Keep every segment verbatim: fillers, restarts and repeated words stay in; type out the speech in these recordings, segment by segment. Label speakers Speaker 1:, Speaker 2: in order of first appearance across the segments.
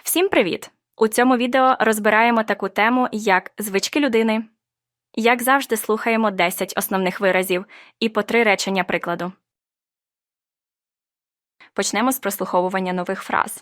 Speaker 1: Всім привіт! У цьому відео розбираємо таку тему, як звички людини. Як завжди, слухаємо десять основних виразів і по три речення прикладу. Почнемо з прослуховування нових фраз.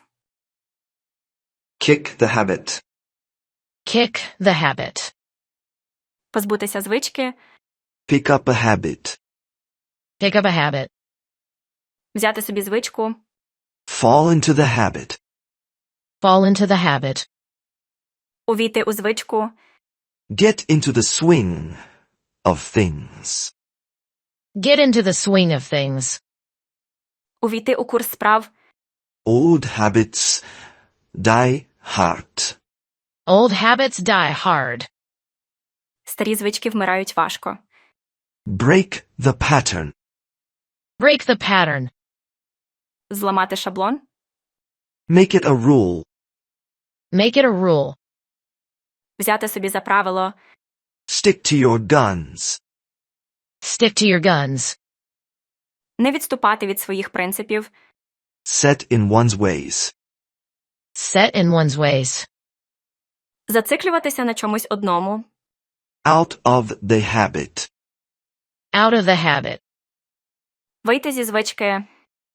Speaker 2: Kick the habit.
Speaker 3: Kick the habit.
Speaker 1: Позбутися звички,
Speaker 2: Pick up a habit.
Speaker 3: Pick up a habit.
Speaker 1: взяти собі звичку,
Speaker 2: Fall into the habit.
Speaker 3: Fall into the habit.
Speaker 1: увійти у звичку,
Speaker 2: Get into the swing of things.
Speaker 3: Get into the swing of things.
Speaker 1: увійти у курс справ,
Speaker 2: Old habits die hard.
Speaker 3: Old habits die hard.
Speaker 1: старі звички вмирають важко.
Speaker 2: Break the pattern.
Speaker 3: Break the pattern.
Speaker 1: Зламати шаблон,
Speaker 2: Make it a rule.
Speaker 3: Make it a rule.
Speaker 1: взяти собі за правило,
Speaker 2: Stick to your guns.
Speaker 3: Stick to your guns.
Speaker 1: не відступати від своїх принципів,
Speaker 2: Set in one's ways.
Speaker 3: Set in one's ways.
Speaker 1: зациклюватися на чомусь одному,
Speaker 2: Out of the habit.
Speaker 3: Out of the habit.
Speaker 1: вийти зі звички.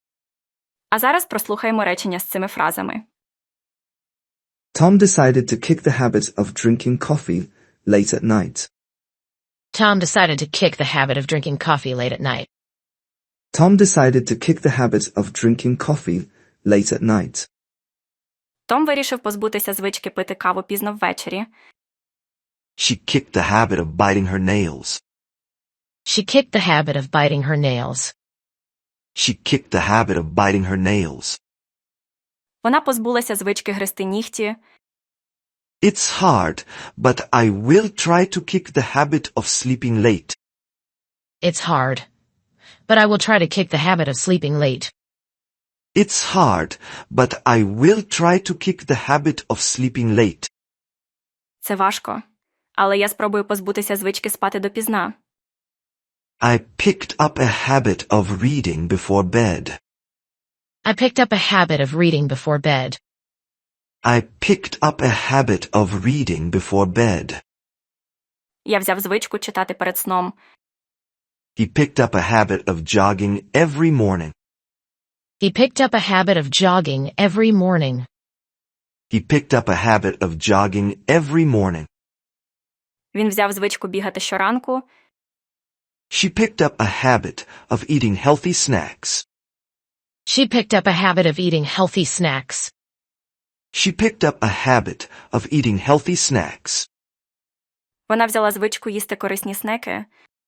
Speaker 1: А зараз прослухаємо речення з цими фразами.
Speaker 4: Tom decided to kick the habit of drinking coffee late at night.
Speaker 3: Tom decided to kick the habit of drinking coffee late at night.
Speaker 4: Tom decided to kick the habit of drinking coffee late at night.
Speaker 1: Том вирішив позбутися звички пити каву пізно ввечері.
Speaker 2: She kicked the habit of biting her nails.
Speaker 3: She kicked the habit of biting her nails.
Speaker 2: She kicked the habit of biting her nails.
Speaker 1: Вона позбулася звички гризти нігті.
Speaker 2: It's hard, but I will try to kick the habit of sleeping late.
Speaker 3: It's hard. But I will try to kick the habit of sleeping late.
Speaker 2: It's hard, but I will try to kick the habit of sleeping late.
Speaker 1: Це важко. Але я спробую позбутися звички спати допізна.
Speaker 2: I picked up a habit of reading before bed.
Speaker 3: I picked up a habit of reading before bed.
Speaker 2: I picked up a habit of reading before bed.
Speaker 1: Я взяв звичку читати перед сном.
Speaker 2: He picked up a habit of jogging every morning.
Speaker 3: He picked up a habit of jogging every morning.
Speaker 2: He picked up a habit of jogging every morning.
Speaker 1: Він взяв звичку бігати щоранку.
Speaker 2: She picked up a habit of eating healthy snacks.
Speaker 3: She picked up a habit of eating healthy snacks.
Speaker 2: She picked up a habit of eating healthy snacks.
Speaker 1: Вона взяла звичку їсти корисні снеки.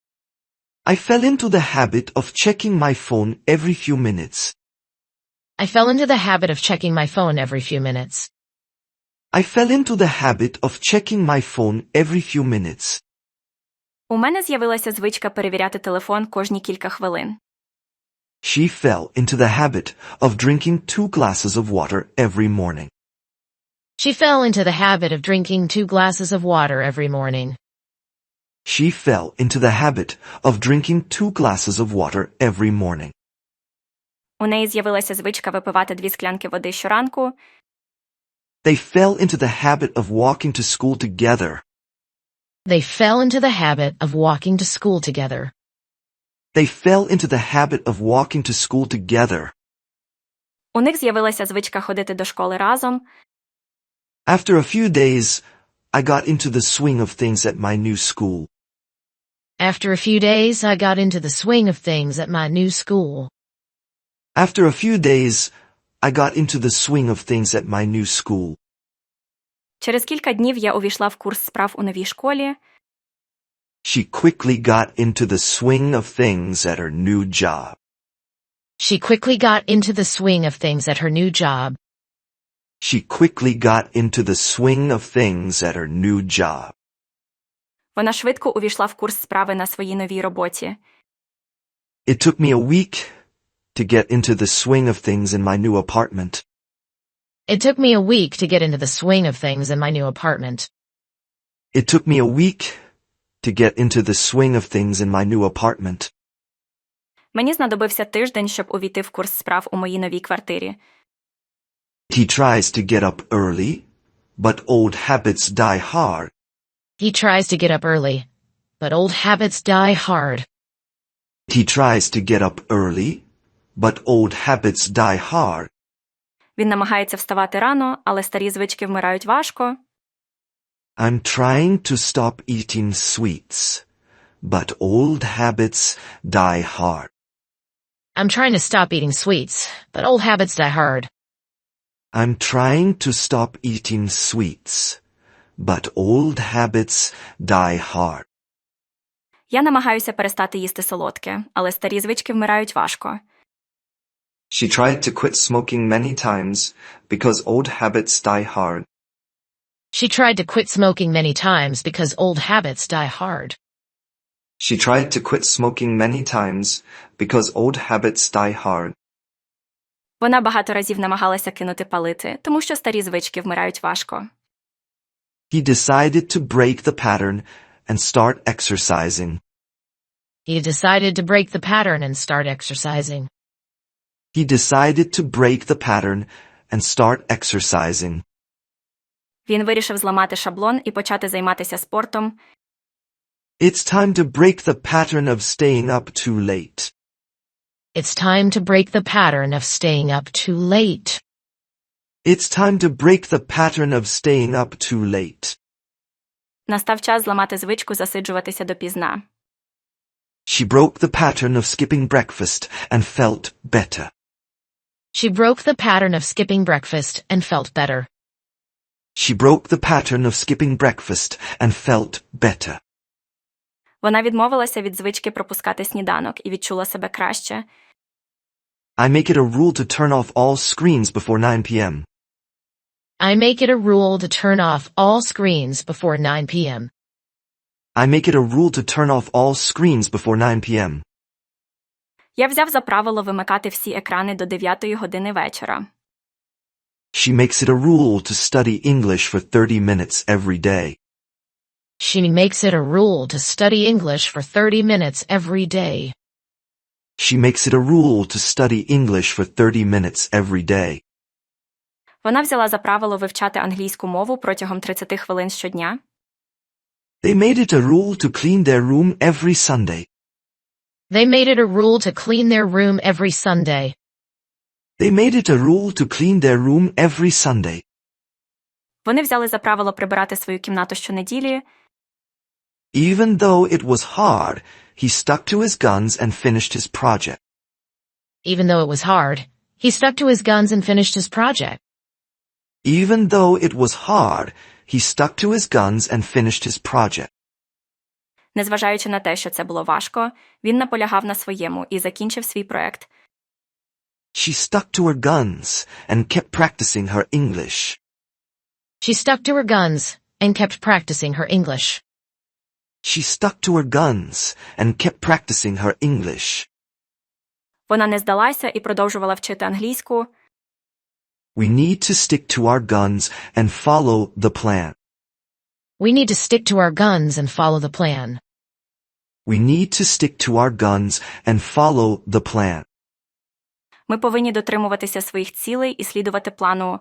Speaker 2: I fell into the habit of checking my phone every few minutes.
Speaker 3: I fell into the habit of checking my phone every few minutes.
Speaker 2: I fell into the habit of checking my phone every few minutes.
Speaker 1: У мене з'явилася звичка перевіряти телефон кожні кілька хвилин.
Speaker 2: She fell into the habit of drinking two glasses of water every morning.
Speaker 3: She fell into the habit of drinking two glasses of water every morning.
Speaker 2: She fell into the habit of drinking two glasses of water every morning.
Speaker 1: У неї з'явилася звичка випивати дві склянки води щоранку.
Speaker 2: They fell into the habit of walking to school together.
Speaker 3: They fell into the habit of walking to school together.
Speaker 2: They fell into the habit of walking to school together.
Speaker 1: У них з'явилася звичка ходити до школи разом.
Speaker 2: After a few days, I got into the swing of things at my new school.
Speaker 3: After a few days, I got into the swing of things at my new school.
Speaker 2: After a few days, I got into the swing of things at my new school.
Speaker 1: Через кілька днів я увійшла в курс справ у новій школі.
Speaker 2: She quickly got into the swing of things at her new job.
Speaker 3: She quickly got into the swing of things at her new job.
Speaker 2: She quickly got into the swing of things at her new job.
Speaker 1: Вона швидко увійшла в курс справи на своїй новій роботі.
Speaker 2: It took me a week to get into the swing of things in my new apartment.
Speaker 3: It took me a week to get into the swing of things in my new apartment.
Speaker 2: It took me a week to get into the swing of things in my new apartment.
Speaker 1: Мені знадобився тиждень, щоб увійти в курс справ у моїй новій квартирі.
Speaker 2: He tries to get up early, but old habits die hard.
Speaker 3: He tries to get up early, but old habits die hard.
Speaker 2: He tries to get up early, but old habits die hard.
Speaker 1: Він намагається вставати рано, але старі звички вмирають важко.
Speaker 2: I'm trying to stop eating sweets, but old habits die hard.
Speaker 3: I'm trying to stop eating sweets, but old habits die hard.
Speaker 2: I'm trying to stop eating sweets, but old habits die hard.
Speaker 1: Я намагаюся перестати їсти солодке, але старі звички вмирають важко.
Speaker 4: She tried to quit smoking many times because old habits die hard.
Speaker 3: She tried to quit smoking many times because old habits die hard.
Speaker 4: She tried to quit smoking many times because old habits die hard.
Speaker 1: Вона багато разів намагалася кинути палити, тому що старі звички вмирають важко.
Speaker 2: He decided to break the pattern and start exercising.
Speaker 3: He decided to break the pattern and start exercising.
Speaker 2: He decided to break the pattern and start exercising.
Speaker 1: Він вирішив зламати шаблон і почати займатися спортом.
Speaker 2: It's time to break the pattern of staying up too late.
Speaker 3: It's time to break the pattern of staying up too late.
Speaker 2: It's time to break the pattern of staying up too late.
Speaker 1: Настав час зламати звичку засиджуватися допізна.
Speaker 2: She broke the pattern of skipping breakfast and felt better.
Speaker 3: She broke the pattern of skipping breakfast and felt better.
Speaker 2: She broke the pattern of skipping breakfast and felt better.
Speaker 1: Вона відмовилася від звички пропускати сніданок і відчула себе краще.
Speaker 2: I make it a rule to turn off all screens before nine p.m.
Speaker 3: I make it a rule to turn off all screens before nine p.m.
Speaker 2: I make it a rule to turn off all screens before nine p.m.
Speaker 1: Я взяв за правило вимикати всі екрани до дев'ятої години вечора.
Speaker 2: She makes it a rule to study English for thirty minutes every day.
Speaker 3: She makes it a rule to study English for thirty minutes every day.
Speaker 2: She makes it a rule to study English for thirty minutes every day.
Speaker 1: Вона взяла за правило вивчати англійську мову протягом тридцяти хвилин щодня.
Speaker 2: They made it a rule to clean their room every Sunday.
Speaker 3: They made it a rule to clean their room every Sunday.
Speaker 2: They made it a rule to clean their room every Sunday.
Speaker 1: Вони взяли за правило прибирати свою кімнату щонеділі.
Speaker 2: Even though it was hard, he stuck to his guns and finished his project.
Speaker 3: Even though it was hard, he stuck to his guns and finished his project.
Speaker 2: Even though it was hard, he stuck to his guns and finished his project.
Speaker 1: Незважаючи на те, що це було важко, він наполягав на своєму і закінчив свій проект.
Speaker 2: She stuck to her guns and kept practicing her English.
Speaker 3: She stuck to her guns and kept practicing her English.
Speaker 2: She stuck to her guns and kept practicing her English.
Speaker 1: Вона не здалася і продовжувала вчити англійську.
Speaker 2: We need to stick to our guns and follow the plan.
Speaker 3: We need to stick to our guns and follow the plan.
Speaker 2: We need to stick to our guns and follow the plan.
Speaker 1: Ми повинні дотримуватися своїх цілей і слідувати плану.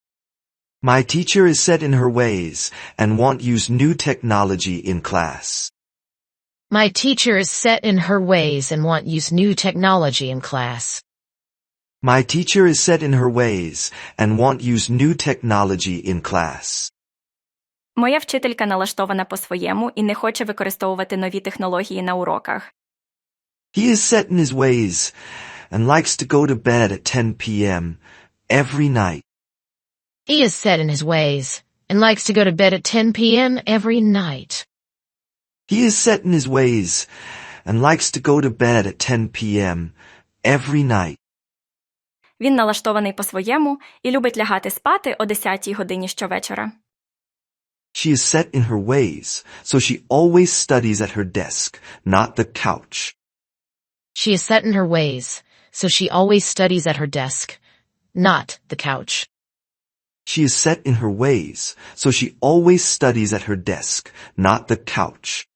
Speaker 2: My teacher is set in her ways and won't use new technology in class.
Speaker 3: My teacher is set in her ways and won't use new technology in class.
Speaker 2: My teacher is set in her ways and won't use new technology in class.
Speaker 1: Моя вчителька налаштована по-своєму і не хоче використовувати нові технології на уроках.
Speaker 2: He is set in his ways and likes to go to bed at ten p.m. every night.
Speaker 3: He is set in his ways and likes to go to bed at ten p.m. every night.
Speaker 2: He is set in his ways and likes to go to bed at ten p.m. every night.
Speaker 1: Він налаштований по-своєму і любить лягати спати о десятій годині щовечора.
Speaker 2: She is set in her ways, so she always studies at her desk, not the couch.
Speaker 3: She is set in her ways, so she always studies at her desk, not the couch.
Speaker 2: She is set in her ways, so she always studies at her desk, not the couch.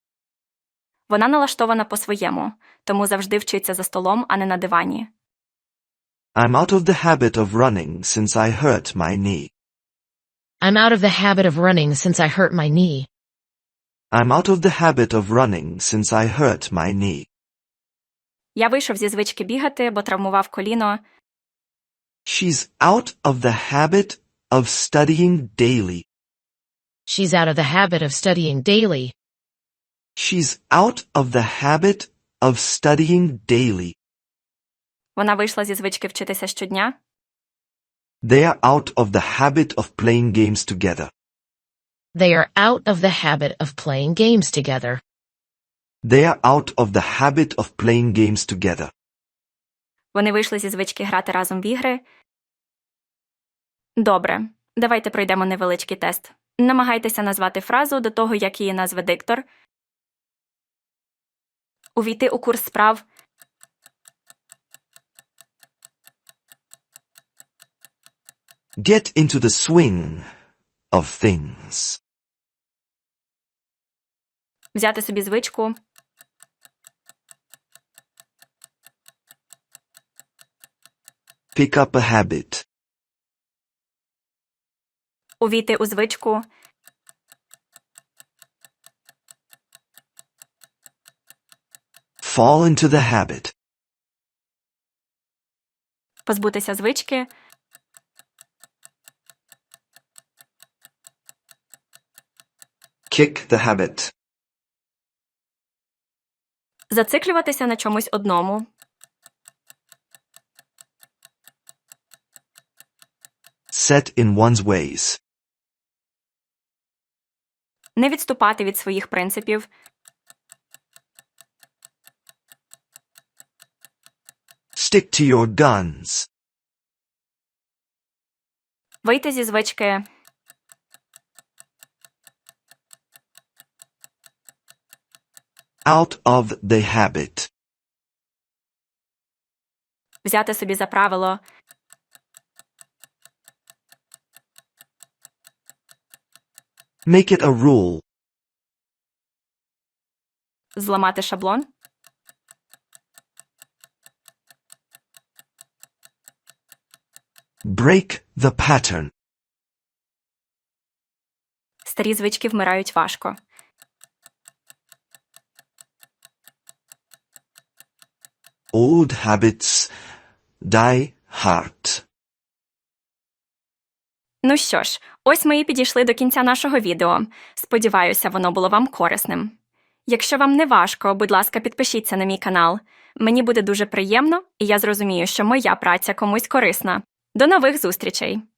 Speaker 1: Вона налаштована по-своєму, тому завжди вчиться за столом, а не на дивані.
Speaker 2: I'm out of the habit of running since I hurt my knee.
Speaker 3: I'm out of the habit of running since I hurt my knee.
Speaker 2: I'm out of the habit of running since I hurt my knee.
Speaker 1: Я вийшов зі звички бігати, бо травмував коліно.
Speaker 2: She's out of the habit of studying daily.
Speaker 3: She's out of the habit of studying daily.
Speaker 2: She's out of the habit of studying daily.
Speaker 1: Вона вийшла зі звички вчитися щодня.
Speaker 2: They are out of the habit of playing games together.
Speaker 3: They are out of the habit of playing games together.
Speaker 2: They are out of the habit of playing games together.
Speaker 1: Вони вийшли зі звички грати разом в ігри. Добре, давайте пройдемо невеличкий тест. Намагайтеся назвати фразу до того, як її назве диктор. Увійти у курс справ.
Speaker 2: Get into the swing of things.
Speaker 1: Взяти собі звичку.
Speaker 2: Pick up a habit.
Speaker 1: Увійти у звичку.
Speaker 2: Fall into the habit.
Speaker 1: Позбутися звички.
Speaker 2: Kick the habit.
Speaker 1: Зациклюватися на чомусь одному.
Speaker 2: Set in one's ways.
Speaker 1: Не відступати від своїх принципів.
Speaker 2: Stick to your guns.
Speaker 1: Вийти зі звички.
Speaker 2: Out of the habit.
Speaker 1: Взяти собі за правило.
Speaker 2: Make it a rule.
Speaker 1: Зламати шаблон.
Speaker 2: Break the pattern.
Speaker 1: Старі звички вмирають важко.
Speaker 2: Old habits die hard.
Speaker 1: Ну що ж, ось ми і підійшли до кінця нашого відео. Сподіваюся, воно було вам корисним. Якщо вам не важко, будь ласка, підпишіться на мій канал. Мені буде дуже приємно, і я зрозумію, що моя праця комусь корисна. До нових зустрічей!